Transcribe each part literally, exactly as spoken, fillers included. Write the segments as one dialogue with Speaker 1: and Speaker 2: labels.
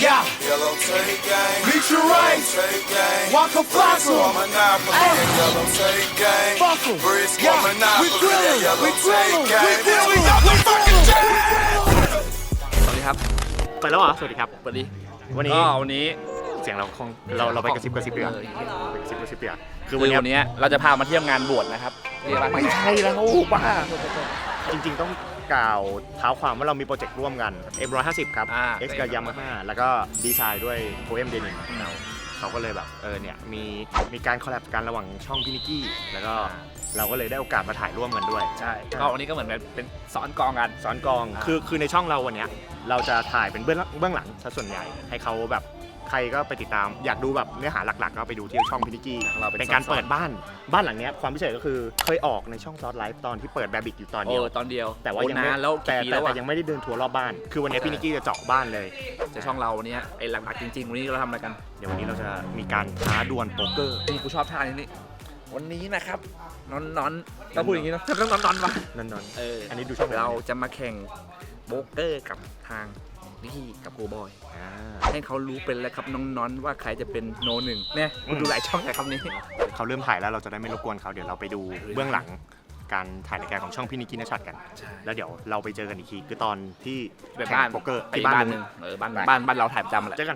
Speaker 1: Yeah.
Speaker 2: Yellow tape gang.
Speaker 1: Meet your rights.
Speaker 2: Tape gang.
Speaker 1: Walk a fossil.
Speaker 2: On Monopoly.
Speaker 1: Hey.
Speaker 2: That yellow tape gang.
Speaker 1: Fossil.
Speaker 2: Brisk
Speaker 1: Yeah.
Speaker 2: on Monopoly.
Speaker 1: We grillin'.
Speaker 2: That yellow
Speaker 1: We grillin'.
Speaker 2: tape gang.
Speaker 1: We grillin'. We fucking jam.
Speaker 3: สวัสดีครับ
Speaker 4: ไปแล้วเหรอ สวัสดีครับ
Speaker 3: สวัสดี
Speaker 4: วันนี้
Speaker 3: ก็วันนี้
Speaker 4: เสียงเราคงเราเราไปกระซิบกระซิบเดือ
Speaker 3: เออ
Speaker 4: ไปกระซิบกระซิบเดือคื
Speaker 3: คือ อ
Speaker 4: วั
Speaker 3: วัน น
Speaker 4: เนี้ย
Speaker 3: นี้เราจะพามาเที่ยวงานบวชนะครับเรียกว่า
Speaker 4: ไม่ใช่แล้วบ้าจริงๆต้องกล่าวเท้าความว่าเรามีโปรเจกต์ร่วมกัน เอ็ม หนึ่งร้อยห้าสิบ ครับ
Speaker 3: อ่า
Speaker 4: X กับ Yamaha แล้วก็ดีไซน์ด้วย Poem Denim เขาก็เลยแบบเออเนี่ยมีมีการคอลแลบกันระหว่างช่องพี่นิกกี้แล้วก็เราก็เลยได้โอกาสมาถ่ายร่วมกันด้วย
Speaker 3: ใช่ก็วันนี้ก็เหมือนเป็นสอนกองกัน
Speaker 4: สอนกอง
Speaker 3: อ่า
Speaker 4: คือคือในช่องเราวันเนี้ยเราจะถ่ายเป็นเบื้องเบื้องหลังซะส่วนใหญ่ให้เขาแบบใครก็ไปติดตามอยากดูแบบเนื้อหาหลักๆก็ไปดูที่ช่องพินิกี้
Speaker 3: เราเป็น
Speaker 4: เป็นการ
Speaker 3: สอน
Speaker 4: เปิดบ้านบ้านหลังเนี้ยความพิเศษก็คือเคยออกในช่องซอสไลฟ์ตอนที่เปิดแบบิกอยู่ตอน
Speaker 3: โอ้
Speaker 4: เดียว
Speaker 3: ตอนเดียว
Speaker 4: แต่ว่ายังไม่
Speaker 3: โอ้นนแล้ว
Speaker 4: แต่
Speaker 3: กี่ปี
Speaker 4: แต่
Speaker 3: แล้ว
Speaker 4: แต่
Speaker 3: อะ
Speaker 4: ยังไม่ได้เดินทัวร์รอบบ้าน คือวันนี้
Speaker 3: ใช่
Speaker 4: พินิกี้จะเจาะบ้านเลย
Speaker 3: แต่ช่องเราวันนี้ไอ้หลักๆจริงๆวันนี้เราทำอะไรกัน
Speaker 4: เดี๋ยววันนี้เราจะมีการท้าดวลโป๊กเกอร์
Speaker 3: นี่กูชอบท่านี้นี่วันนี้นะครับนอนนอนต้องพูดอย่างนี้เนอะต้องนอนนอนวะ
Speaker 4: นั่นนอน
Speaker 3: เออ
Speaker 4: อั
Speaker 3: อั
Speaker 4: นนี้ดูช่องไหน
Speaker 3: เราจะมาแข่งโบรกเกอร์กับทางพี่กับโกบอย
Speaker 4: อ่า
Speaker 3: ให้เขารู้เป็นแล้วครับน้องๆว่าใครจะเป็นโนหนึ่งเนี่ยคุณดูหลายช่องแต่คำนี้
Speaker 4: เขาเริ่มถ่ายแล้วเราจะได้ไม่รบกวนเขาเดี๋ยวเราไปดูเบื้องหลังการถ่ายรายการของช่องพินิกี้นชัดกัน
Speaker 3: ใช่
Speaker 4: แล้วเดี๋ยวเราไปเจอกันอีกทีคือตอนที่
Speaker 3: ไป
Speaker 4: แข่
Speaker 3: บ้าน
Speaker 4: งโป๊กเกอร์
Speaker 3: ไป
Speaker 4: ที่
Speaker 3: บ้า
Speaker 4: บ้าน น
Speaker 3: ห
Speaker 4: ห
Speaker 3: นึ่
Speaker 4: นึ่
Speaker 3: ง
Speaker 4: ง
Speaker 3: เออบ้านบ้านบ้านเราถ่ายประจำแหละ
Speaker 4: เจอกัน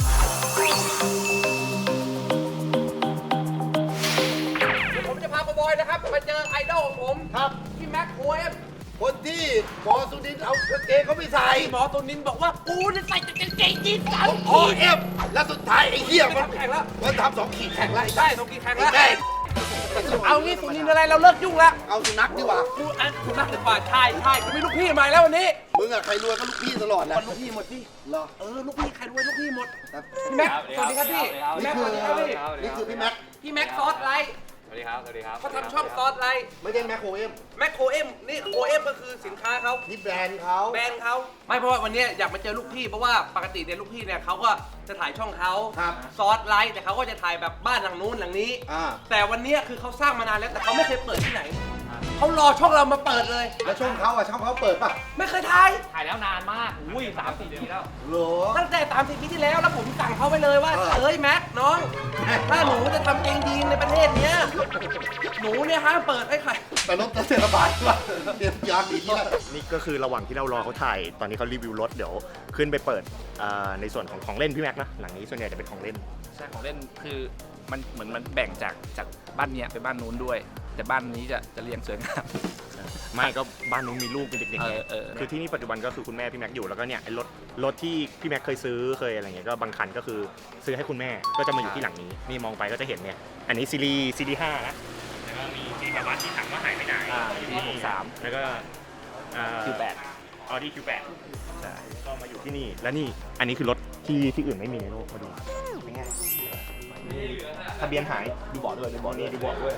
Speaker 5: ผมจะพาโกบอยนะครับมาเจอไอดอลของผมครับพี่แม็กโคเอฟ
Speaker 6: คนที่หมอสุนินเอากางเกงเขาไม่ใส่
Speaker 5: หมอตุนินบอกว่ากูจะใส่แต่กางเกงยีนส์สาม
Speaker 6: พอ
Speaker 5: ขีด
Speaker 6: เอฟแล้วสุดท้ายไอ้เหี้ย
Speaker 5: ไม่
Speaker 6: มัน
Speaker 5: ทำแข่งแล้ว
Speaker 6: มันทำสองขีดแข่งไล่
Speaker 5: ได้ตรงกี่แข่งแล้ว
Speaker 6: ได้
Speaker 5: เอางี้ตุนินอะไรเราเลิกยุ่งแล้ว
Speaker 6: เอาสุนัขดีกว่า
Speaker 5: กูอ่ะกูนักดีกว่าใช่ใช่กูมีลูกพี่ใหม่แล้ววันนี้
Speaker 6: มึงอะใครรวยก็ลูกพี่ตลอดแหละ
Speaker 5: คนลูกพี่หมดพี่
Speaker 6: เหรอ
Speaker 5: เออลูกพี่ใครรวยลูกพี่หมด
Speaker 6: ครับ
Speaker 5: พี่แม็กสวัสดีครับพี่พี่แม็
Speaker 6: นี่
Speaker 5: ก
Speaker 6: คื
Speaker 5: ส
Speaker 6: อ
Speaker 5: วัสดีครับพี่
Speaker 6: นี่คือพี่แม็ก
Speaker 5: พี่แม็กซอสไลท์
Speaker 7: สวัสดีครับ สวัสดีครับ
Speaker 5: เขาทำช่องซอสไลท์
Speaker 6: ไม่ใช่แม็กโคเอฟ
Speaker 5: แม็กโคเอมนี่โคเอมก็คือสินค้าเขา
Speaker 6: นี่แบรนด์เขา
Speaker 5: แบรนด์เขาไม่เพราะว่าวันนี้อยากมาเจอลูกพี่เพราะว่าปกติเนี่ยลูกพี่เนี่ยเขาก็จะถ่ายช่องเขา
Speaker 6: ครับ
Speaker 5: ซอสไลท์แต่เขาก็จะถ่ายแบบบ้านหลังนู้นหลังนี้
Speaker 6: อ่า
Speaker 5: แต่วันนี้คือเขาสร้างมานานแล้วแต่เขาไม่เคยเปิดที่ไหนเขารอช่องเรามาเปิดเลย
Speaker 6: แล้วช่องเขาอะช่องเขาเปิดป่ะ
Speaker 5: ไม่เคยถ่าย
Speaker 7: ถ่ายแล้วนานมาก อุ้ยสามสี่ปีแล้ว
Speaker 6: เหรอ
Speaker 5: ตั้งแต่ตามสิบปีที่แล้วแล้วผมสั่งเขาไปเลยว่า
Speaker 6: เออ
Speaker 5: เอ้ยแม็กน้อง ถ้าหนูจะทำเองดีในประเทศเนี้ยหนูเนี่ยห้ามเปิดให้ใคร
Speaker 6: แต่รถเทศบาลป่ะเตรียมยางอีกแล้ว
Speaker 4: นี่ก็คือระหว่างที่เรารอเขาถ่าย ตอนนี้เขารีวิวรถเดี๋ยวขึ้นไปเปิดอ่าในส่วนของของเล่นพี่แม็กนะ หลังนี้ส่วนใหญ่จะเป็นของเล่น
Speaker 3: ใช่ของเล่นคือมันเหมือนมันแบ่งจากจากบ้านเนี้ยไปบ้านนู้นด้วย แต่บ้านนี้จะจะเรียงสวยงาม
Speaker 4: ไม่ก็บ้านนู้นมีลูกเป็นเด็กๆ
Speaker 3: เอ
Speaker 4: ไง
Speaker 3: อเออ
Speaker 4: คือที่นี่ปัจจุบันก็คือคุณแม่พี่แม็กอยู่แล้วก็เนี่ยไอ้รถรถที่พี่แม็กเคยซื้อเคยอะไรเงี้ยก็บางคันก็คือซื้อให้คุณแม่ก็จะมาอยู่ที่หลังนี้นี่มองไปก็จะเห็นเนี่ยอันนี้ซีรีส์ซีรีส์ห้านะแล้วก็มีที่แบบว่าที่ถังว่าหายไปไหน
Speaker 3: อ่าปีหกสาม
Speaker 4: แล้วก็อ่า
Speaker 3: คิวแปด
Speaker 4: ออดี้คิวแปดใช่ก็มาอยู่ที่นี่แล้วนี่อันนี้คือรถที่ที่อื่นไม่มีในโลกมาดูเป็นไงทะเบียนหายดูเบาะด้วยดูเบาะนี่ดูเบาะด้วย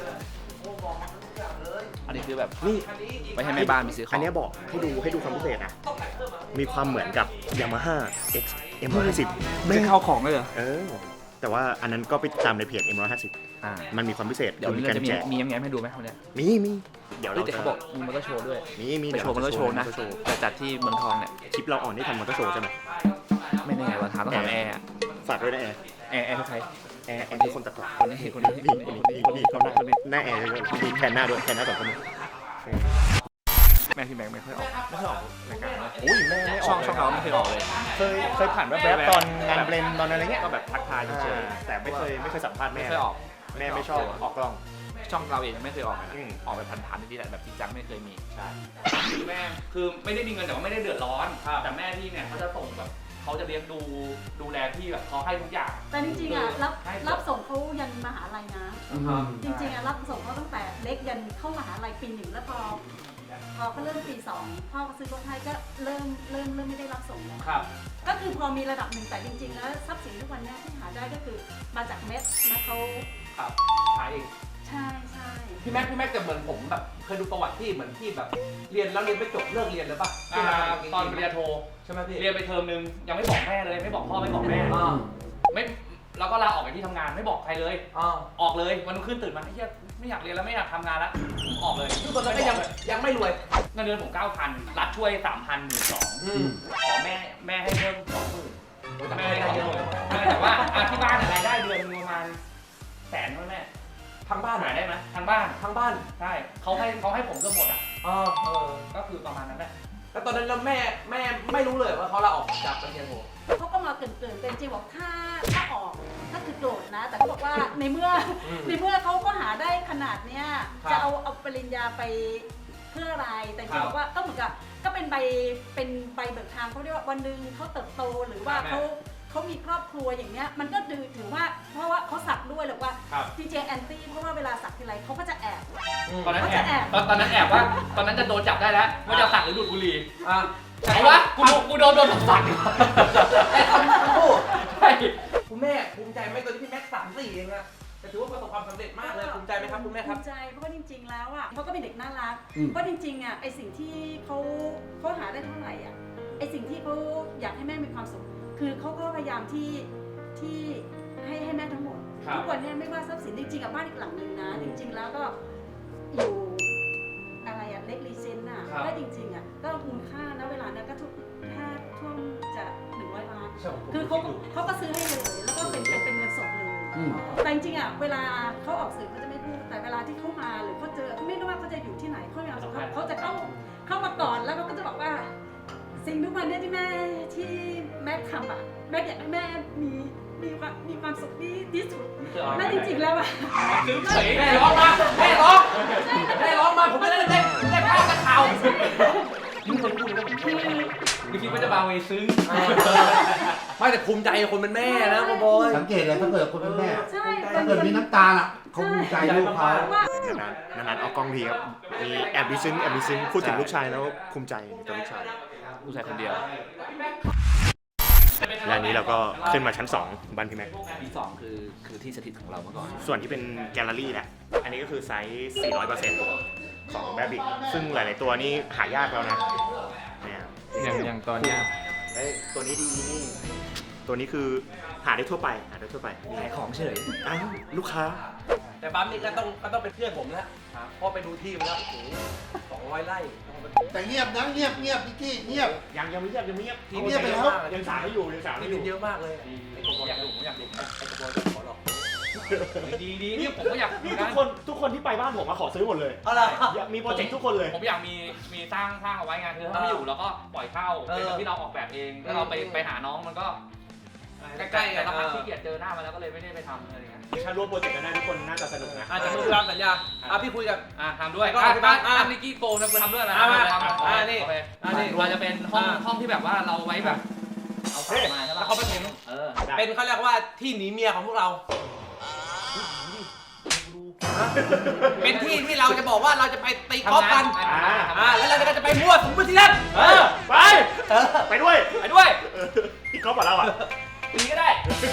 Speaker 3: อันนี้คือแบบ
Speaker 4: นี่
Speaker 3: ไม่ให้แม่บ้านไปซื้อของ
Speaker 4: อันเนี้ยบอกให้ดูให้ดูความพิเศษนะ มีความเหมือนกับ Yamaha X เอ็ม หนึ่งร้อยห้าสิบ
Speaker 3: ไม่เข้าของเลยเหรอ
Speaker 4: เออ แต่ว่าอันนั้นก็ไปตามในเพจ เอ็ม หนึ่งร้อยห้าสิบ
Speaker 3: อ่า
Speaker 4: มันมีความพิเศษ
Speaker 3: เดี๋ยว
Speaker 4: คือ
Speaker 3: นี้
Speaker 4: มี
Speaker 3: เรา
Speaker 4: การ
Speaker 3: จะมี
Speaker 4: แจก
Speaker 3: มีแง้มๆให้ดูไหมคนเนี้ย
Speaker 4: มีมีเดี๋ยว
Speaker 3: เฮ้
Speaker 4: เรา
Speaker 3: ยแต่เขาบอกมีมอเตอร์โชว์ด้วย
Speaker 4: มีมี
Speaker 3: ไปโชว์มอเตอร์โชว์นะ
Speaker 4: มอเตอร์โชว์
Speaker 3: แต่จัดที่เมืองทองเนี่ย
Speaker 4: คลิปเราอ่อนที่ทำมอเตอร์โชว์ใช่ไหม
Speaker 3: ไม่แน่ว่าถามต้องถามแอร์อะ
Speaker 4: ฝากด้วยนะแอร์
Speaker 3: แอร์แอร์คือใคร
Speaker 4: แอร์แอร์คือคนตัดต่อ
Speaker 3: คนนี้คนนี้
Speaker 4: นี่คนนี้นี่คนนี้เขาหน้าหน้าแอร์เลยมีแทนหน้าด้วยแทนหน้าสองคนนี้
Speaker 3: แม่พี่แม็กไม่ค่อยออก
Speaker 4: ไม่เคยออกรายการนะโอ้ยแม่ไม่อ
Speaker 3: ช่
Speaker 4: อ
Speaker 3: อก งช่องเราไม่เคยออกเลย
Speaker 4: เคยเคยผ่านแวบๆตอนงานเบรนตอนอะไรเงี้ย
Speaker 3: ก็แบบทักทายเฉย
Speaker 4: แต่ไม่เคยไม่เคยสัมภาษณ์
Speaker 3: ๆ
Speaker 4: แม่
Speaker 3: ไม่เคยออก
Speaker 4: แม่ไม่ชอบออกกล้อง
Speaker 3: ช่องเราเองยังไม่เคยออกเลยนะ
Speaker 4: อืม
Speaker 3: ออกแบบพันๆที่แหละแบบจริงจังไม่เคยมี
Speaker 4: ใช่
Speaker 7: คือแม่ คือไม่ได้มีเงินแต่ว่าไม่ได้เดือดร้อน แต่แม่พี่เนี่ยเขาจะส่งแบบเขาจะเลี้ยงดูดูแลพี่แบบเขาให้ทุกอย่าง
Speaker 8: แต่จริงๆอ่ะรับ
Speaker 7: ให้
Speaker 8: รับส่งเขายันมหาลัยนะ จริงๆอ่ะรับส่งเขาตั้งแต่เล็กยันเข้ามหาลัยปีหนึ่งแล้วพอพอเขาเริ่มปีสองพ่อก็ซื้อรถให้ก็เริ่มเริ่มเริ่มไม่ได้รับส่งแล้ว
Speaker 7: ครับ
Speaker 8: ก็คือพอมีระดับหนึ่งแต่จริงๆแล้วทรัพย์สินทุกวันเนี้ที่หาได้ก็คือมาจากเม็ดนะเขา
Speaker 7: ครับขายเอง
Speaker 8: ใช่ใช่
Speaker 5: พี่แม็กพี่แม็กจะเหมือนผมแบบเคยดูประวัติพี่เหมือนพี่แบบ เรียนแล้วเรียนไม่จบเลิกเรียนเลยป่ะ
Speaker 7: อ่าตอนปริญญาโท
Speaker 5: ใช่ไหมพี่
Speaker 7: เรียนไปเทอมนึงยังไม่บอกแม่เลยไม่บอกพ่อไม่บอกแม่
Speaker 5: อ่า
Speaker 7: ไม่แล้วก็ลาออกจากที่ทำงานไม่บอกใครเลย
Speaker 5: อ่า
Speaker 7: ออกเลยวันรุ่งขึ้นตื่นมาไอ้เหี้ยไม่อยากเรียนแล้วไม่อยากทำงานแล้วออกเลย
Speaker 5: ทุกคนก็ยังยังไม่รวย
Speaker 7: เงินเดือนผมเก้าพันรัฐช่วยสามพันหมื่นสอง
Speaker 5: อืม
Speaker 7: ขอแม่แม่ให้เพิ่มสองหมื่นแม่ได้เยอะเลยแต่ว่าอ่ะที่บ้านรายได้เดือนนึงประมาณแสนเท่านั้นแหละ
Speaker 5: ทางบ้าน
Speaker 7: หาได้ไหมทางบ้าน
Speaker 5: ทางบ้าน
Speaker 7: ใช่เขาให้เขาให้ผมเกือบหมดอ่ะ
Speaker 5: อ๋อ
Speaker 7: เออก็คือประมาณนั้นแหละ
Speaker 5: แล้วตอนนั้นแล้วแม่แม่ไม่รู้เลยว่าเขาลาออกจากปริญญาโท
Speaker 8: เขาก็มาเกรินๆแต่จริงๆบอกถ้าถ้าออกถ้าคือโกรธนะ แต่เขาบอกว่าในเมื่อในเมื่อเขาก็หาได้ขนาดเนี้ยจะเอาเอาปริญญาไปเพื่ออะไรแต่จริงๆบอกว่าก็เหมือนกับก็เป็นใบเป็นใบเบิกทางเขาเรียกว่าวันหนึ่งเขาเติบโตหรือว่าเขาเขามีครอบครัวอย่างเงี้ยมันก็ดูถือว่าเพราะว่าเขาสักด้วยหรือว่าจริงๆแอนตี้เพราะว่าเวลาสักทีไรเขาก็จะแอบ
Speaker 7: ตอนนั้น
Speaker 8: เขา
Speaker 7: แอ
Speaker 8: จะ
Speaker 7: บ
Speaker 8: แอบ
Speaker 7: ตอนตอนนั้นแอบว่าตอนนั้นจะโดนจับได้แล้วว่าจะสั่งหรือดูดบุหรี่
Speaker 5: อ่ะ
Speaker 7: แต่ว่ากูกูโดนโดนสั่ง
Speaker 5: แต่ทำทั้งคู่
Speaker 7: ใช่
Speaker 5: คุณแม่ภูมิใจไหมตอนที่พี่แม็กสามสี่เองอะแต่ถือว่าประสบความสำเร็จมากเลยภูมิใจไหมครับคุณแม่ครับ
Speaker 8: ภูมิใจเพราะว่าจริง ๆ แล้วอ่ะเขาก็เป็นเด็กน่ารัก
Speaker 5: อืม
Speaker 8: เพราะจริงๆอ่ะไอสิ่งที่เขาเขาหาได้เท่าไหร่อ่ะไอสิ่งที่เขาอยากให้แม่มีความสุขคือเขาก็พยายามที่ที่ให้ให้แม่ทั้งหมดทุกวันเนี้ไม่ว่าทรัพย์สินจริงๆกับบ้านอีกหลังนึงนะ จริง ๆ แล้วก็อยู่อะไรอ่ะเล็กรีเซนต์อ่ะก็จริงๆอ่ะก็มูลค่านะเวลานั้นก็ทุกถ้าท่วมจะหนึ่งร้อยล้านคือเขาเขาก็ซื้อให้เลยแล้วก็เป็นเป็นเป็นเงินสดเลย แต่จริงๆอ่ะเวลาเขาออกสื่อเขาจะไม่พูดแต่เวลาที่เขามาหรือเขาเจอไม่รู้ว่าเขาจะอยู่ที่ไหนเขาอยากเขาเขาจะเข้าเข้ามาก่อนแล้วเขาก็จะบอกว่า สิ่งทุกวันเนี้ที่แม่ที่แม่ทำอ่ะแม่อยากให้แม่มีมีความมีความสุขที่ที่สุดแม่จริงๆแล้วอ่ะ
Speaker 7: ซื้อเฉย
Speaker 5: แม่ร้องมาแม่ร้องแม่ร้องมาผมไม่ได้เล่นเล่นภาพกระเทา
Speaker 7: ยิ่งคนพูดก็ผมชอบไม่คิดว่าจะบาเวซึ้ง
Speaker 5: ไม่แต่ภูมิใจคนเป็นแม่นะบอย
Speaker 6: สังเกตเลยถ้าเกิดคนเป็นแม่
Speaker 8: ใช่
Speaker 6: ถ้าเกิดมีน้ำตาล่ะเขาภูมิใจลูกเขา
Speaker 8: ว่า
Speaker 4: นานๆนานๆออกกล้องทีครับมีแอบดิซึ้งแอบดิซึ้งพูดถึงลูกชายแล้วภูมิใจในตัวลูกชาย
Speaker 3: ผู้ชายคนเดียว
Speaker 4: และอันนี้เราก็ขึ้นมาชั้นสองบ้านพี่แม็ก
Speaker 3: ที่สองคือคือที่สถิตของเราเมื่อก่อน
Speaker 4: ส่วนที่เป็นแกลเลอรี่แหละ อันนี้ก็คือไซส์ สี่ร้อยเปอร์เซ็นต์ ของแบบิกซึ่งหลาย ๆ ตัวนี่หายากแล้วนะเนี่ย
Speaker 3: อย่างอย่างตอนเนี้ย
Speaker 4: เอ้ยตัวนี้ดีนี่ ตัวนี้คือหาได้ทั่วไป หาได้ทั่วไป
Speaker 3: ขายของเฉย
Speaker 4: อ้าวลูกค้า
Speaker 5: แต่ปั๊มนี่ก็ต้องก็ต้องเป็นเพื่อนผมแล้วเพราะไปดูที่มาแล้วโอ้โหสองร้อยไร่
Speaker 6: แต่เงียบนะเงียบเงียบนิกกี้เงียบ
Speaker 4: ยังยังไม่เงียบยังไม่เงียบ
Speaker 6: เงียบไปแล้ว
Speaker 4: ยังสามไม่อยู่ยังสาม
Speaker 5: ที่
Speaker 4: ไม่อ
Speaker 5: ดิ
Speaker 4: ยู่
Speaker 5: นเยอะมากเลย
Speaker 7: ไอ้กบอยากดูผมอยากดู
Speaker 5: ไอ้กระบอยขอหรอก
Speaker 7: ดีดีนี่ผมก็อยากดู
Speaker 4: นี่ทุ
Speaker 7: นะ
Speaker 4: กคนทุกคนที่ไปบ้านผมมาขอซื้อหมดเลย
Speaker 5: เอาล่ะ
Speaker 4: มีโปรเจกต์ทุกคนเลย
Speaker 7: ผมอยากมีมีสร้างสร้างเอาไว้ไงคือถ้าไม่อยู่เราก็ปล่อยเช่าเป็นแบบที่เราออกแบบเองแล้วเราไปไปหาน้องมันก็ใกล้ๆกันแล้วพักที่เกียจเจอหน้ามาแล้วก็เลยไม่ได้ไปทำอะไรอย่างเงี้ย
Speaker 4: ถ้าร่วมโปรเจกต์กันได้ทุกคนน่าจะสนุกนะ
Speaker 5: อาจจะมือตามสัญญาอ่ะพี่คุยกับ
Speaker 7: อ่ะทำด้วย
Speaker 5: ก็
Speaker 7: อ่ะ
Speaker 5: ที่
Speaker 7: บ้า
Speaker 5: บ้าน น
Speaker 7: อ่ะนิกกี้โกนะกูทำด้วยนะ
Speaker 5: อ่ะมา
Speaker 7: ทำ
Speaker 5: อ่ะนี่
Speaker 7: โอเค
Speaker 5: อ่ะนี่
Speaker 7: เราจะเป็นห้อง
Speaker 5: อ่ะ
Speaker 7: ห้องที่แบบว่าเราไว้แบบเอาฝามาใช่
Speaker 5: แล้ว
Speaker 7: ปะ
Speaker 5: เขาไปเห็น
Speaker 7: เออ
Speaker 5: เป็นเขาเรียกว่าที่หนีเมียของพวกเรา เป็นที่ที่เราจะบอกว่าเราจะไปตีกอล์ฟกัน
Speaker 7: ทำงาน
Speaker 5: อ่าแล้วเราก็จะไปมั่วสุมไปที่นั่น
Speaker 7: เออ
Speaker 4: ไป ไปด้วย
Speaker 7: ไปด้วย
Speaker 4: พี่ก๊อฟบอกเราอ่ะ
Speaker 7: ตีก็ได้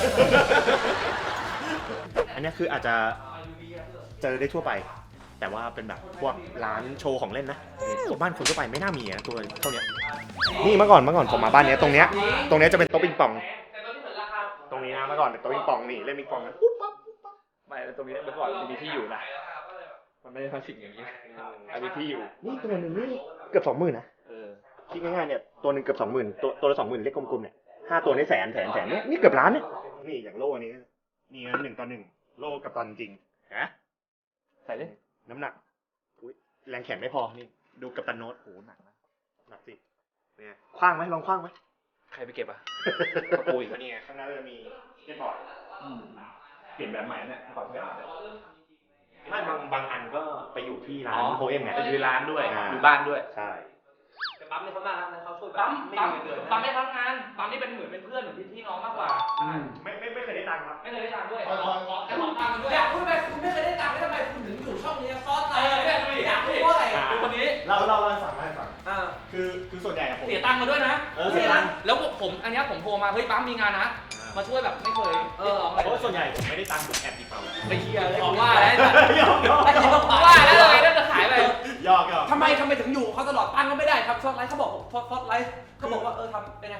Speaker 4: อันนี้คืออาจจะเจอได้ทั่วไป แต่ว่าเป็นแบบพวกร้านโชว์ของเล่นนะบ้านคนทั่วไปไม่น่ามีนะตัวเท่านี้นี่เมื่อก่อนเมื่อก่อนผมมาบ้านเนี้ยตรงเนี้ยตรงเนี้ยจะเป็นโต๊ะปิงปอง ตรงนี้นะเมื่อก่อนเป็นโต๊ะปิงปองนี่เล่นปิงปองกันปุ๊บปั๊บปุ๊บปั๊บ
Speaker 3: ไม่ตรงนี้เมื่อก่อนมีที่อยู่นะ มันไม่ได้มาสิ่งอย่างนี้ อันนี้ที่อยู่
Speaker 4: นี่ตัวหนึ่งนี่เกือบสองหมื่นนะ
Speaker 3: เออ
Speaker 4: คิดง่ายๆเนี่ยตัวหนึ่งเกือบสองหมื่นตัวตัวละสองหมื่นเล็กกลมๆเนี่ยห้าตัวนี่แสนแสนแสนเนี่ยนี่เกือบล้านเนี่ยนี่อย่างโล่อันนี้นี่นะหนึ่งต่อหนึ่งโล่กับตอนจริงนะ
Speaker 3: ใส่ดิ
Speaker 4: น้ำหนักอุ๊ยแรงแขนไม่พอนี่ดูกับตันโน้ตโอ้หนักนะหนักสิเนี่ยคว้างไหมลองคว้างไหม
Speaker 3: ใครไปเก็บอ่ะ
Speaker 4: กระปุยก็นี่ไงข้างหน้าจะมีเก็ตบอร์ด
Speaker 3: อืมเปลี่ยนแบบใหม่เนี่ยก่อนเปลี่ยนแบบ
Speaker 4: ไม่บางบางอันก็ไปอยู่ที่ร้านโฮเอ็มไง
Speaker 3: ไปอยู่ร้านด้วย
Speaker 4: อ่า
Speaker 3: อยู่บ้านด้วย
Speaker 4: ใช่
Speaker 5: แต่ปั๊มนี่เขาน่ารักนะเขาช่วยแบบ
Speaker 7: ปั๊ม
Speaker 5: ไม่
Speaker 7: ปั๊ม
Speaker 5: มีเงินเดือน
Speaker 7: ปั๊มไม่ทำงานปั๊มนี่เป็นเหมือนเป็นเพื่อนเหมือนพี่น้องมากกว่า
Speaker 4: ไม่ไม่ไม่เคยได้ตังค์ครับ
Speaker 7: ไม่เคยได้ตังค์ด้วยขอขอแค่ขอตังค์กันด้วย
Speaker 5: อยากพูดไปคุณไม่เคยได้ตังค์แล้วทำไมคุณถึงอยู่ช่องนี้ซอสไล
Speaker 7: เออ
Speaker 5: น์
Speaker 7: เนี่ยดูดิ
Speaker 5: อยากพูดว่าอะไร
Speaker 4: อ่า
Speaker 7: ดูคนนี้
Speaker 4: เราเราเราให้ฟังเราให้ฟัง
Speaker 5: อ่า
Speaker 4: คือคือส่วนใหญ่อะผม
Speaker 7: เสียตังค์มาด้วยนะ
Speaker 4: เออเสียตังค์
Speaker 7: แล้วผมอันเนี้ยผมโทรมาเฮ้ยปั๊มมีงานนะ มาช่วยแบบไม่เคยเรียกร้องอะไร
Speaker 4: เพราะว่าส่วนใหญ่ผมไม่ได้ตังค์ผมแอบหยิบเอา
Speaker 7: ไปเชียร์เลยว่าแล้ว
Speaker 4: หยอกหยอก
Speaker 5: ไอ้ที่ต้อง
Speaker 7: ว่าแล้วอะไรน่าจะขายไป
Speaker 4: หยอกหยอก
Speaker 5: ทำไมทำไมถึงอยู่เขาตลอดตั้งก็ไม่ได้ครับซอสไลน์เขาบอกซอสไลน์เขาบอกว่าเออทำเป็นไง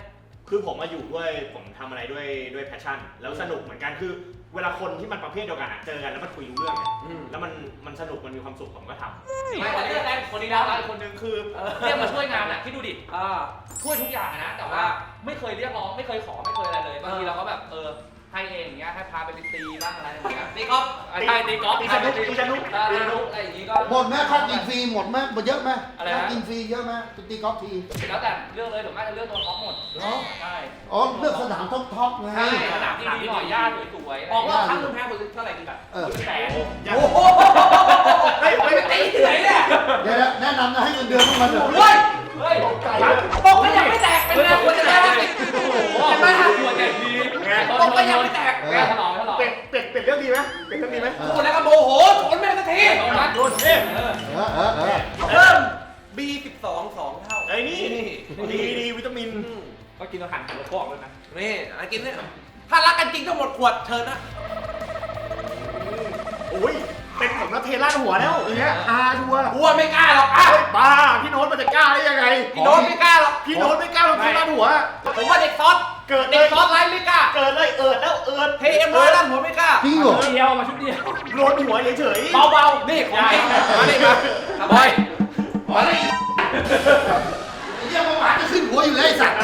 Speaker 4: คือผมมาอยู่ด้วยผมทำอะไรด้วยด้วยแพชชั่นแล้วสนุกเหมือนกันคือเวลาคนที่มันประเภทเดียวกันอะเจอกันแล้วมันคุยรู้เรื่องไง
Speaker 5: อืม
Speaker 4: แล้วมันมันสนุกมันมีความสุขผมก็ทำ
Speaker 7: ไม่แต่เรื่องแรกคนนี้แล้วอีกคนนึงคือเรียกมาช่วยงานอ่ะคิดดูดิ
Speaker 5: อ่า
Speaker 7: ช่วยทุกอย่างนะแต่ว่าไม่เคยเรียกร้องไม่เคยขอไม่เคยอะไรเลยบางทีเราก็แบบเออให้เองอย่างเงี้ยให้พาไปตีบ้างอะไรอย่างเงี้ย
Speaker 5: ตีกอล์ฟ
Speaker 7: ใช่ตีกอล์ฟ
Speaker 4: ตีสนุกตีสนุก
Speaker 7: ตีสนุกอะไรอย่างงี้ก็
Speaker 6: หมดไหมค่ากินฟรีหมดไหมหมดเยอะไหม
Speaker 7: อะไรนะ
Speaker 6: ค่ากินฟรีเยอะไหมไปตีกอล์ฟที
Speaker 7: แล้วแต่เรื่องเลยถึงแม้จะเรื่องตัวท็อปหมด
Speaker 6: เหรอ
Speaker 7: ใช่
Speaker 6: อ๋อเลือกสนามท็อปท็อปไง
Speaker 7: ใช่สนามที่ดีหน่อยหญ้าสวยๆ
Speaker 5: ออกรอบครั้งหนึงแพ้คนเท่าไหร่ดีแบบ
Speaker 6: เออ
Speaker 7: คุณแสน
Speaker 5: โอ้โหไม่ไม่ไปตีที่ไหนเนี่ย
Speaker 6: เดี๋ยวนะแนะนำนะให้เงินเดือนพวกมันเถอะ
Speaker 5: เฮ้ย
Speaker 7: เฮ้ย
Speaker 5: ตกก็ยังไม่แตกเป็นไงควรจะได้
Speaker 7: โอ้โห
Speaker 5: เห็นไหมฮะ
Speaker 7: ควรจะดี
Speaker 5: ตกก็ยังไม่แตก
Speaker 7: แกถลอกถลอก
Speaker 4: เป็ดเป็ดเป็ดเรื่องดีไหมเป็ดเรื่องดีไหม
Speaker 5: พูดแล้วก็โมโหทนไม่ได้สักที
Speaker 7: โดนมัดโดนเออ
Speaker 6: เออเออเออ
Speaker 5: เพิ่ม บี สิบสอง สองเท่า
Speaker 4: ไอ้นี่ดีดีวิตามิน
Speaker 5: อืม
Speaker 3: ก็กินอาหารหัวกรอกเลยนะ
Speaker 5: นี่อะไรกินเนี่ยถ้ารักกันจริงต้องหมดขวดเชิญนะ
Speaker 4: โอ้ยเป็นผมแล้วเทล่าดหัวแล้วอย่างเงี้ยอาชัวร์
Speaker 5: อ้วนไม่กล้าหรอกอ่ะ
Speaker 4: เฮ้ยบ้าพี่โน้ตมันจะกล้าได้ยังไง
Speaker 5: พี่โน้ตไม่กล้าหรอก
Speaker 4: พี่โน้ตไม่กล้าลงเทล่าดหัว
Speaker 5: ผมว่าเด็กซอส
Speaker 4: เกิดเล
Speaker 5: เด็ก
Speaker 4: ย
Speaker 5: ซอสไลฟ์ไม่กล้า
Speaker 4: เกิดเลยเอิดแล้วเอิด
Speaker 5: เทเอ็มร้อยด้านหัวไม่กล้า
Speaker 6: จริงเหรอ
Speaker 3: เดียวมาชุดเดียว
Speaker 4: โลนหัวเฉยๆ
Speaker 5: เบาๆ นี่ของจริงมาดิมาบอยมาดิ
Speaker 6: ไอ้เหี้ยเมื่อวานจะขึ้นหัวอยู่เลยไอ้สัตว์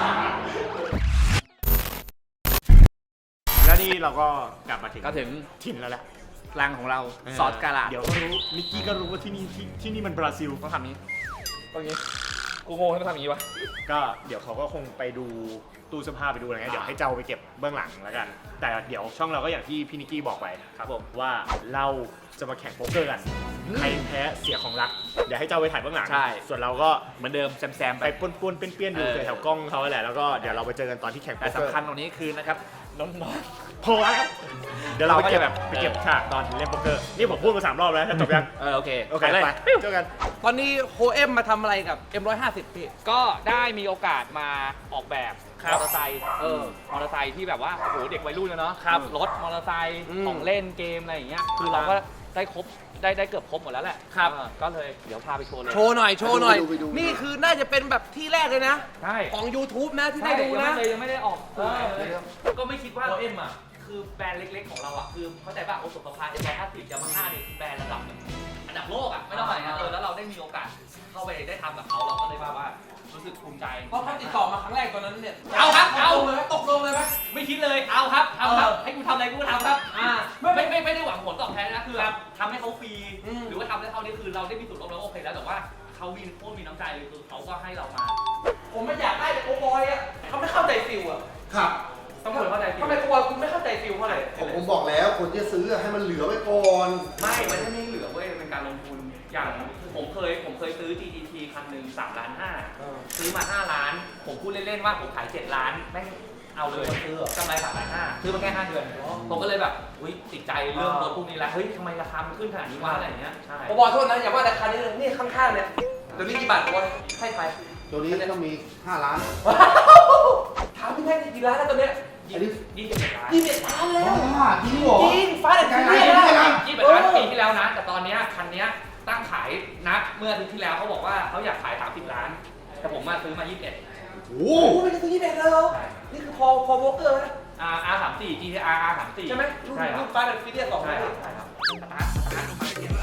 Speaker 4: แล้วนี่เราก็กลับมาถึง
Speaker 3: ก็ถึง
Speaker 4: ถิ่นแล้วแหละ
Speaker 3: รังของเราซอสกาลา
Speaker 4: เดี๋ยวก็รู้นิกกี้ก็รู้ว่าที่นี่ที่ที่นี่มันบราซิล
Speaker 3: ต้องทำนี้ตรงนี้กูงงให้ต้องทำอย่างนี้วะ
Speaker 4: ก็เดี๋ยวเขาก็คงไปดูตู้เสื้อผ้าไปดูอะไรเงี้ยเดี๋ยวให้เจ้าไปเก็บเบื้องหลังแล้วกัน แต่เดี๋ยวช่องเราก็อย่างที่พี่นิกกี้บอกไปครับผมว่าเราจะมาแข่งโป๊กเกอร์กันใครแพ้เสียของรักเดี๋ยวให้เจ้าไปถ่ายเบื้องหลัง
Speaker 3: ใช่
Speaker 4: ส่วนเราก็
Speaker 3: เหมือนเดิมแซมๆไป
Speaker 4: ไปป้วนๆเปี้ยนๆดู
Speaker 3: เออ
Speaker 4: แถวๆกล้องเขาแหละแล้วก็เดี๋ยวเราไปเจอกันตอนที่แข่งโป๊
Speaker 3: แต่
Speaker 4: กเกอร์
Speaker 3: สำคัญตรงนี้คือนะครับน้อง
Speaker 4: พอแล้วเดี๋ยวเราไปเก็บ
Speaker 3: เราก็จะแบบ
Speaker 4: ไปเก็บฉากตอนเล่นโป๊กเกอร์นี่ผมพูดมาสามรอบแล้วจบยัง
Speaker 3: ๆเออโอเค
Speaker 4: โอเค
Speaker 3: ไปเลย
Speaker 4: ไปเจอกัน
Speaker 5: ตอนนี้โฮเอ็มมาทำอะไรกับ เอ็มร้อยห้าสิบ พี่
Speaker 7: ก็ได้มีโอกาสมาออกแบบ
Speaker 5: ครั
Speaker 7: ม
Speaker 5: บ
Speaker 7: อเตอร์ไซค์
Speaker 5: เออ
Speaker 7: มอเตอร์ไซค์ที่แบบว่าโอ้โหเด็กวัยรุ่นเลยเนาะ
Speaker 5: ครับ
Speaker 7: รถมอเตอร์ไซค์
Speaker 5: อืม
Speaker 7: ของเล่นเกมอะไรอย่างเงี้ยคือเราก็ได้ครบได้ได้เกือบครบหมดแล้วแหละ
Speaker 5: ครับ
Speaker 7: เออก็เลยเดี๋ยวพาไปโชว์เลย
Speaker 5: โชว์หน่อย โชว์หน่อย
Speaker 6: ไปดูไปดู
Speaker 5: นี่คือน่าจะเป็นแบบที่แรกเลยนะ
Speaker 7: ใช่
Speaker 5: ของ YouTube นะที่
Speaker 7: ใช่
Speaker 5: ได้ดู
Speaker 7: ยัง
Speaker 5: นะ
Speaker 7: ไม่เลยยังไม่ได้ออก
Speaker 5: เออ
Speaker 7: เลยก็ไม่คิดว่าโอเอ็มอ่ะคือแบรนด์เล็กๆของเราอ่ะคือเข้าใจป่ะโอสุขภาเอ็มร้อยห้าสิบยามาฮ่าเนี่ยแบรนด์ระดับแบบอันดับโลกอ่ะไม่ต้องอะไรนะเออแล้วเราได้มีโอกาสเข้าไปได้ทำกับเขาเราก็เลยว่าว่ารู้สึกภูมิใจ
Speaker 5: เพราะเขาติดต่อมาครั้งแรกตอนนั้นเนี่ย
Speaker 7: เอาครับเอา
Speaker 5: ตกลงเลยไหมตกลงเลยไหม
Speaker 7: ไม่คิดเลยเอาครับเอาครับ
Speaker 5: เออ
Speaker 7: ให้กูทำอะไรกูก็ทำครับ
Speaker 5: อ่า
Speaker 7: ไม่ไม่ไม่ไม่ได้หวังผลตอบแทนนะคือ
Speaker 5: ครับ
Speaker 7: ทำให้เขาฟรี
Speaker 5: อืม
Speaker 7: หรือว่าทำให้เขานี่คือเราได้มีส่วนร่วมแล้วโอเคแล้วแต่ว่าเขามีโคตรมีน้ำใจเลยคือเขาก็ให้เรามา
Speaker 5: ผมไม่อยากได้แต่โกบอยอ่ะเขาไม่เข้าใจฟิลอ่ะ
Speaker 6: ครับ
Speaker 7: ต้องคนเข้าใจผิด
Speaker 5: ทำไมโกบอยคุณไม่เข้าใจฟิลเท่าไหร่
Speaker 6: ผมผมบอกแล้วคนที่จะซื้อให้มันเหลือไว้ก่อน
Speaker 7: ไม่มันไม่เหลือเว้ยเป็นการลงทุนอย่างผมเคยผมเคยซื้อ จี ที ที คันหนึ่งสามล้านห้า
Speaker 5: เออ
Speaker 7: ซื้อมาห้าล้าน ผมพูดเล่นๆว่าผมขายเจ็ดล้านแม่งเอาเลย
Speaker 5: ซื้อเหรอ
Speaker 7: กำไรสามล้านห้าซื้อมาแค่ห้าเดือนผมก็เลยแบบอุ้ยติดใจเรื่องรถพวกนี้แล้วเฮ้ยทำไมราคามันขึ้นขนาดนี้วะอะไรอย่างเงี้ยใช่
Speaker 5: โกบอยโทษนะอย่าว่าแต่คันนี้เลยนี่ข้างๆเนี่ยเดี๋ยวนี้กี่บาทโกบอยให้ใคร
Speaker 6: ตัวนี้ต้องมีห้าล้าน
Speaker 5: ถามพี่แท็กกี่ล้านแล้วตอนเนี้ย
Speaker 6: อันนี้
Speaker 7: ยี่สิบเอ็ดล้าน
Speaker 5: ยี่สิบเอ็ดล้านแล้ว
Speaker 6: บ้าจริงเหรอ
Speaker 5: จริงฟ้าเด็ด
Speaker 6: ใจ
Speaker 5: ที่
Speaker 6: ร้าย
Speaker 5: นี่
Speaker 6: จริง
Speaker 5: นะ
Speaker 6: ไหม
Speaker 7: ยี่สิบเอ็ดล้านปีที่แล้วนะ แต่ตอนเนี้ยคันเนี้ยตั้งขายนัดเมื่ออาทิตย์ที่แล้วเขาบอกว่าเขาอยากขายสามสิบล้าน แต่ผมมาซื้อมายี่สิบเอ็ด
Speaker 6: โอ้
Speaker 5: โอ้ไม่ได้ซื้อยี่สิบเอ็ดแล้ว นี่คือพอพอวอลเกอร์นะ
Speaker 7: อาร์ อาร์ สามสิบสี่ จี ที อาร์ อาร์ สามสิบสี่
Speaker 5: ใช่ไหมรุ่น
Speaker 7: ใช่ครั
Speaker 5: รุ่
Speaker 7: บ
Speaker 5: นฟ้าเด็ดฟิเดียสอง
Speaker 7: ใช่
Speaker 5: นะ
Speaker 7: ครับใช่ครับสตาร์ทสตาร์ทเหยียบ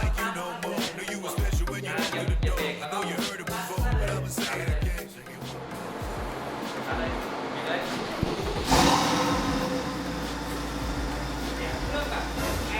Speaker 7: เหยียบเบรกแล้วก็อะไรมีเลยเรื่องแบบ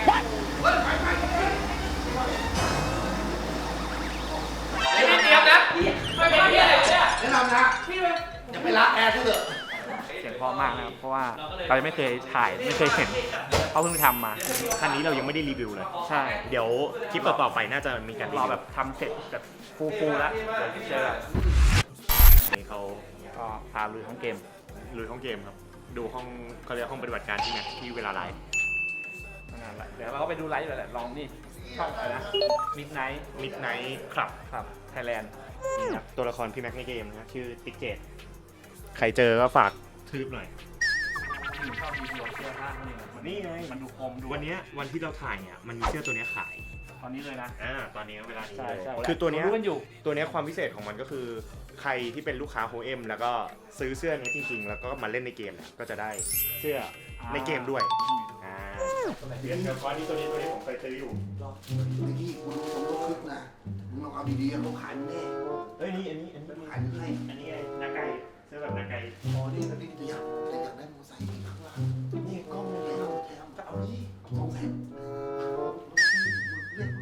Speaker 7: ไอ้นี่เตรียมนะไม่เป็นที่อะไรเนี่ย
Speaker 6: แนะนำนะ
Speaker 7: พี่เลย
Speaker 6: อย่าไปรักแอร์ซะเถอะ
Speaker 3: เสียงเพราะมากนะครับเพราะว่าเรายังไม่เคยถ่ายไม่เคยเห็นเขาเพิ่งทำมา
Speaker 4: คันนี้เรายังไม่ได้รีวิวเลย
Speaker 3: ใช่
Speaker 4: เดี๋ยวคลิปต่อๆไปน่าจะมีการรี
Speaker 3: รอ
Speaker 4: วิว
Speaker 3: แบบทำเสร็จแบบฟูๆแล้วเดี๋ยวเจอกัน
Speaker 4: นี่เขา
Speaker 3: ก็พาลุยทั้งเกม
Speaker 4: ลุยห้องเกมครับ ดูห้องเขาเรียกห้องปฏิบัติการที่แม็กที่เวลาไลฟ์
Speaker 3: นั่นแหละเดี๋ยวเราก็ไปดูไลฟ์เลยแหละลองนี่ช่องอะไรนะ Midnight
Speaker 4: มิดไนท์ครับ
Speaker 3: ครับไทยแลนด์
Speaker 4: นี่ครับตัวละครพี่แม็กในเกมนะชื่อติ๊กเจตใครเจอก็ฝากทืบหน่อย
Speaker 3: ชอบมีเสื้อผ้านี่มัน
Speaker 4: นี่ไง
Speaker 3: มันดูคมดู
Speaker 4: วันเนี้ยวันที่เราถ่ายเนี่ยมันมีเสื้อตัวเนี้ยขาย
Speaker 3: ตอนนี้เลยนะ
Speaker 4: อ่าตอนนี้เวลานี้
Speaker 3: ใช่
Speaker 4: เลย
Speaker 3: ใช่
Speaker 4: คือตัวเนี้ย
Speaker 3: รู้กันอยู่
Speaker 4: ตัวเนี้ยความพิเศษของมันก็คือใครที่เป็นลูกค้าโฮเอ็มแล้วก็ซื้อเสื้อนี้จริงๆ แล้วก็มาเล่นในเกมเนี่ยก็จะได้เสื้อในเกมด้วยอ่าเดี๋ยวเดี๋ยวก้อนนี้ตัวนี้ตัวนี้ผมเคยซื้ออยู่
Speaker 6: ไอ้นี่กูรู้สมรู้คึกนะมึงลองเอาดีๆเขาขายมึงแน่
Speaker 4: เอ้ยนี่อันนี้อันนี้
Speaker 6: ขายมึงให้
Speaker 4: อันนี้ไงนาไก่เสื้อแบบนาไก่
Speaker 6: อ๋อนี่มันนี่จะอยากแต่อยากได้มอเตอร์ไซค์ข้างล่างนี่กล้องเลยเอาแถมจะเอานี่สองแสนเรียก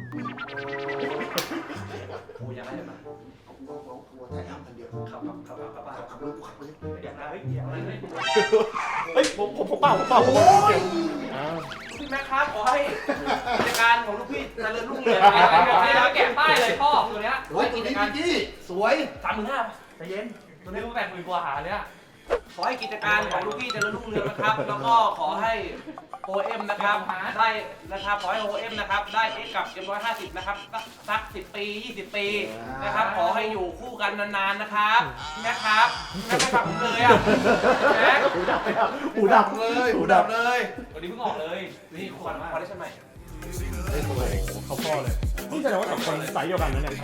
Speaker 5: โอ้ยอยากได้ไหม
Speaker 6: เอากูเอาเอากูไทยอัพกันเดียว
Speaker 5: ขับขับขับขับขับ
Speaker 6: ขับขับเลยกูขับเลย
Speaker 5: อยากได้เฮ้ยอยากได้เฮ้ย
Speaker 4: เฮ้ยผมผมผมเปล่าผมเปล่าผม
Speaker 5: โอ้ย
Speaker 4: อ้าว
Speaker 5: พี่แม่ครับขอให้กิจการของลูกพี่เจริญรุ่งเรือง
Speaker 7: นี่เราแกะป้ายเลยพ่อตัวเนี้ย
Speaker 6: โอ้ยตัวนี้พี่จี้สวย
Speaker 5: สามหมื่นห้าใจเย็น
Speaker 7: ตัวนี้มันแปดหมื่นกว่าหาเนี่ย
Speaker 5: ขอให้กิจการของลูกพี่เจริญรุ่งเรืองนะครับ แล้วก็ขอให้โอเอ็มนะครับได้นะครับขอให้โอเอ็มนะครับได้เอ็กกับเอ็มร้อยห้าสิบนะครับสักสิบปียี่สิบปีนะครับขอให้อยู่คู่กันนานๆนะครับพี่แม่ครับพี่แม่ไม่ฟังผมเลยอ่ะแม่
Speaker 4: หูดับเลยอ่ะหูดับ
Speaker 5: เลยหูดับเลย
Speaker 7: วันนี้เพิ่งออกเลย
Speaker 5: นี่คอนคอนได้ใช่ไหม
Speaker 4: เขาพ่อเลยนี่แสดงว่าสองคนสายเดียวกันนะเนี่ย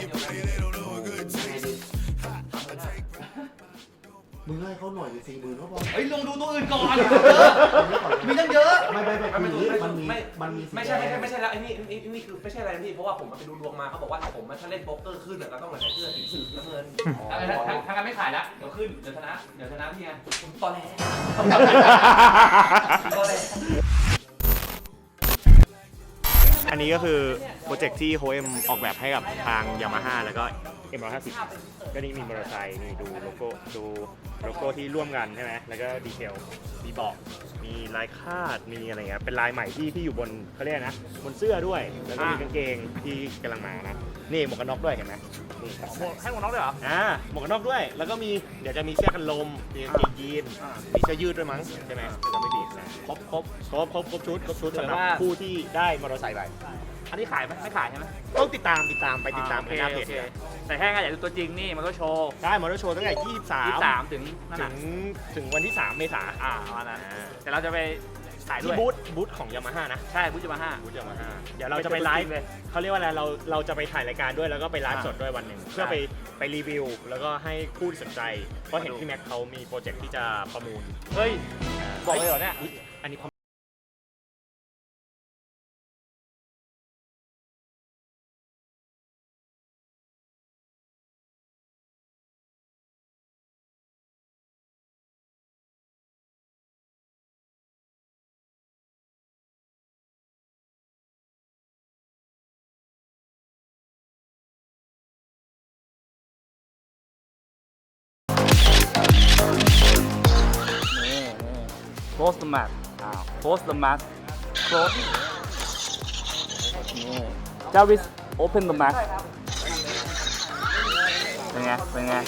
Speaker 6: มึงให้เขาหน่อยดิสี่หมื่นเขาพอ
Speaker 7: เฮ้ยลองดูตัวอื่นก่อน
Speaker 5: มีตั้งเยอะ
Speaker 6: ไม่ไม่ไม่
Speaker 5: ไม่
Speaker 6: คือ
Speaker 5: ไม่
Speaker 6: มันมี
Speaker 5: ไม่
Speaker 6: มันมี
Speaker 5: ไม่ใช่ไม่ใช่ไม่ใช่แล้วไอ้นี่ไอ้นี่คือไม่ใช่อะไรนะพี่เพราะว่าผมไปดูดวงมาเขาบอกว่าถ้าผมถ้าเล่นโป๊กเกอร์ขึ้นเนี่ยเราต้องมาใส่เสื้อสีสีน้ำเงิน
Speaker 7: ทางทางการไม่ขายละเดี๋ยวขึ้น เดี๋ยวชนะ เดี๋ยวชนะพี่ไง
Speaker 5: ผมตอนแรกตอนแรก
Speaker 4: อันนี้ก็คือโปรเจกต์ที่โฮเอ็มออกแบบให้กับทางยามาฮ่าแล้วก็ เอ็ม ร้อยห้าสิบ ก็นี่มีมอเตอร์ไซค์นี่ดูโลโก้ดูโลโก้ที่ร่วมกันใช่ไหมแล้วก็ดีเทลมีเบาะมีลายคาดมีอะไรเงี้ยเป็นลายใหม่ที่ที่อยู่บนเขาเรียกนะบนเสื้อด้วยแล้วก็มีกางเกงที่กำลังมานะนี่หมวกกันน็อกด้วยเห็นไหมนี่
Speaker 3: ให้หมวกน็อกด้วยเหรอ
Speaker 4: อ่าหมวกกันน็อกด้วยแล้วก็มีเดี๋ยวจะมีเสื้อกันลมมีกางเกงยีนมีเสื้อยืดด้วยมั้งใช่ไหมจะไม่ผิดนะ
Speaker 3: ครบครบ
Speaker 4: ครบครบครบชุดครบชุดสำหรับ
Speaker 3: แต่ว่า
Speaker 4: ผู้ที่ได้มอเตอร์ไซค์ไป
Speaker 3: อันนี้ขายไหมไม่ขายใช่ไหม
Speaker 4: ต้องติดตามติดตามไปติดตาม
Speaker 3: โอ
Speaker 4: กัน
Speaker 3: เค
Speaker 4: หน้าเพ
Speaker 3: โอ
Speaker 4: จ
Speaker 3: เคแต่แค่อยากดูตัวจริงนี่มันก็โชว์
Speaker 4: ได้มอเตอร์โชว์ตั้งแต่ยี่สิบสาม
Speaker 3: ยี่สิบสามถึงนั่น
Speaker 4: ถึ
Speaker 3: น่ะ
Speaker 4: งถึงวันที่สามเมษา
Speaker 3: อ่าประมาณนั้น
Speaker 4: อ่า
Speaker 3: แต่เราจะไปขายด้
Speaker 4: ที่
Speaker 3: วย
Speaker 4: บูธบูธของยามาฮ่านะ
Speaker 3: ใช่บูธจะมาห้า
Speaker 4: บูธยามาฮ่าเดี๋ยวเราจะไปไลฟ์เขาเรียกว่าอะไรเราเราจะไปถ่ายรายการด้วยแล้วก็ไปไลฟ์สดด้วยวันหนึ่งเพื่อไปไปรีวิว แล้วก็ให้ผู้ที่สนใจเพราะเห็นพี่แม็กเขามีโปรเจกต์ที่จะประมูล
Speaker 3: เฮ้ย
Speaker 4: า
Speaker 3: บอกเลยเหรอเนี่ย
Speaker 4: อุ๊อันนี้
Speaker 3: นี่นี่ close the mat อ้าว close the mat close นี่ Jarvis open the mat เป็นไง เป็นไง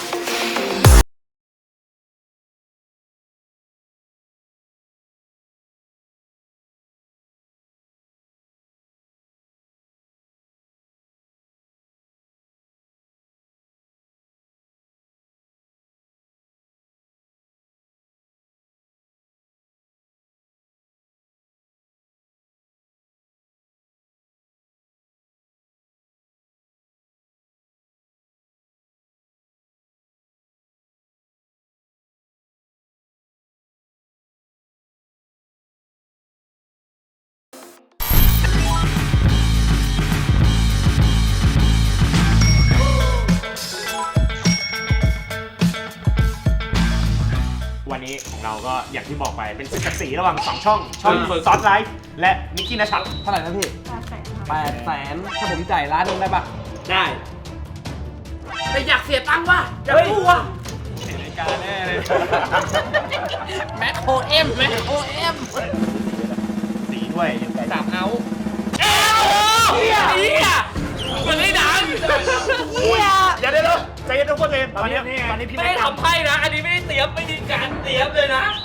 Speaker 4: วันนี้ของเราก็อย่างที่บอกไปเป็นศึกกันสีระหว่างสองช่อง ช่องซอสไลฟ์และนิกกี้นัชัด
Speaker 5: เท่าไหร่นะพี่
Speaker 8: แปดแสนค่ะ
Speaker 5: แปดแสนถ้าผมจ่ายล้านหนึงได้ปะ
Speaker 4: ได้
Speaker 5: แต่อยากเสียตังค์ว่ะอยากกู้ว่ะ
Speaker 3: การแน่เลย
Speaker 5: แม็กโอเอ็มแม็กโอเอ็ม
Speaker 4: สีด้วยยังไง
Speaker 5: สามเอาเฮียเฮียมันไม่ดังเฮีย
Speaker 4: อย่าได้เลยใจเย็นทุกคนเลยตอนนี้ตอนนี้พี่
Speaker 7: ไม่
Speaker 4: แม็
Speaker 7: ได้
Speaker 4: ก
Speaker 7: ทำไพ่นะ อันนี้ไม่ได้เตรียมไม่มีการเตรียมเลยนะ